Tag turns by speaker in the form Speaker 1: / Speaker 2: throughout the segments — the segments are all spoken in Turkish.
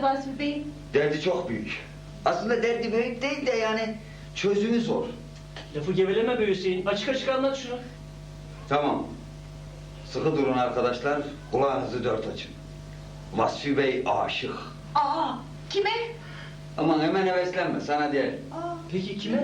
Speaker 1: derdi Vasfi Bey?
Speaker 2: Derdi çok büyük. Aslında derdi büyük değil de yani çözümü zor.
Speaker 3: Lafı geveleme be Hüseyin. Açık açık anlat şunu.
Speaker 2: Tamam. Sıkı durun arkadaşlar. Kulağınızı dört açın. Vasfi Bey aşık.
Speaker 1: Aa, kime?
Speaker 2: Aman hemen heveslenme, sana değil.
Speaker 1: Aa,
Speaker 3: Peki kime?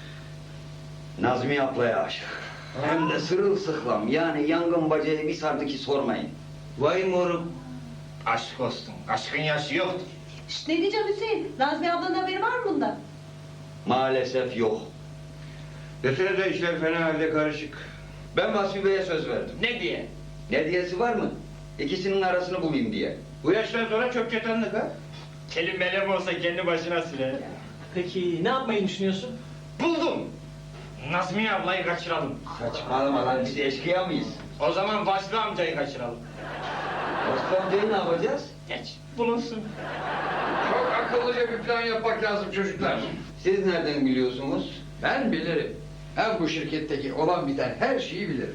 Speaker 2: Nazmi ablaya aşık. Hem de sırılsıklam. Yani yangın bacayı bir sardı ki sormayın.
Speaker 4: Vay morum. Aşk olsun. Aşkın yaşı yoktur.
Speaker 1: şşt, ne diyeceğim Hüseyin? Nazmi ablanın haberi var mı bundan?
Speaker 2: Maalesef yok.
Speaker 4: Desene işler fena halde karışık.
Speaker 2: Ben Vasfi Bey'e söz verdim.
Speaker 4: Ne diye?
Speaker 2: Ne diyesi var mı? İkisinin arasını bulayım diye.
Speaker 4: Bu yaştan sonra çok çetanlık ha?
Speaker 5: Kelimele mi olsa kendi başına siler.
Speaker 3: Peki ne yapmayı düşünüyorsun?
Speaker 5: Buldum. Nazmiye ablayı kaçıralım.
Speaker 2: Saçmalama lan, biz eşkıya mıyız?
Speaker 5: O zaman Vasfi amcayı kaçıralım.
Speaker 2: Vasfi amcayı ne yapacağız?
Speaker 5: Geç, bulunsun.
Speaker 4: Çok akıllıca bir plan yapmak lazım çocuklar.
Speaker 2: Siz nereden biliyorsunuz?
Speaker 6: Ben bilirim. Ben bu şirketteki olan biten her şeyi bilirim.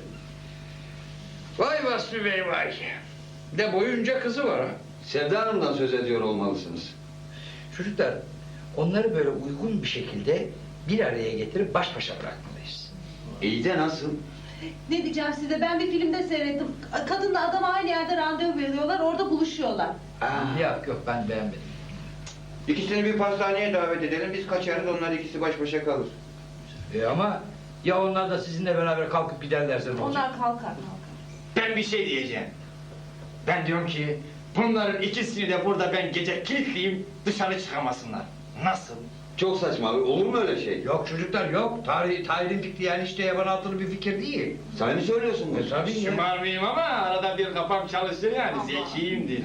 Speaker 6: Vay Vasfi Bey vay. De boyunca kızı var ha.
Speaker 2: Sevda Hanım'dan söz ediyor olmalısınız.
Speaker 6: Çocuklar, onları böyle uygun bir şekilde bir araya getirip baş başa bırakmalıyız.
Speaker 2: İyi de nasıl?
Speaker 1: Ne diyeceğim size? Ben bir filmde seyrettim. Kadınla adam aynı yerde randevu veriyorlar, orada buluşuyorlar.
Speaker 6: Yok ben beğenmedim.
Speaker 4: İkisini bir pastaneye davet edelim. Biz kaçarız, onlar ikisi baş başa kalır.
Speaker 6: Ama ya onlar da sizinle beraber kalkıp giderlerse ne olacak?
Speaker 1: Onlar kalkar.
Speaker 5: Ben bir şey diyeceğim. Ben diyorum ki bunların ikisini de burada ben gece kilitleyeyim, dışarı çıkamasınlar. Nasıl?
Speaker 2: Çok saçma, olur mu öyle şey?
Speaker 6: Yok çocuklar yok. Tahir'in fikri yani işte yaban altılı bir fikir değil.
Speaker 2: Sen mi söylüyorsun bunu?
Speaker 6: Tabii ya.
Speaker 5: Şımarmayayım ama arada bir kafam çalışır yani, zekiyimdir.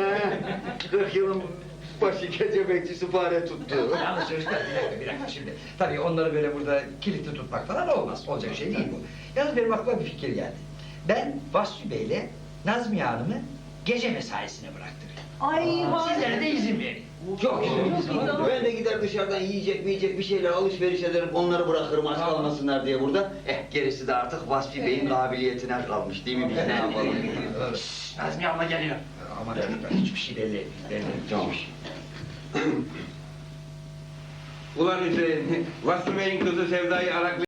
Speaker 2: 40 yılın başı gece bekçisi fare tuttu.
Speaker 6: Yalnız çocuklar bir dakika şimdi. Tabii onları böyle burada kilitli tutmak falan olmaz. Olacak şey değil bu. Yalnız benim aklıma bir fikir geldi. Ben Vasfi Bey'le Nazmiye Hanım'ı gece mesaisine bıraktırayım.
Speaker 1: Ay
Speaker 6: Sizlere de izin verin.
Speaker 2: Çok iyi.
Speaker 1: Çok iyi,
Speaker 2: Ben de gider dışarıdan yiyecek bir şeyler alışveriş ederim, onları bırakırım aç kalmasınlar diye burada. Gerisi de artık Vasfi Bey'in kabiliyetine kalmış değil mi, biz ne yapalım?
Speaker 5: Nazmiye abla geliyor.
Speaker 6: Aman çocuklar hiçbir şey belli etmeyin.
Speaker 2: Tamam.
Speaker 4: Ulan Hüseyin, Vasfi Bey'in kızı Sevda'yı arak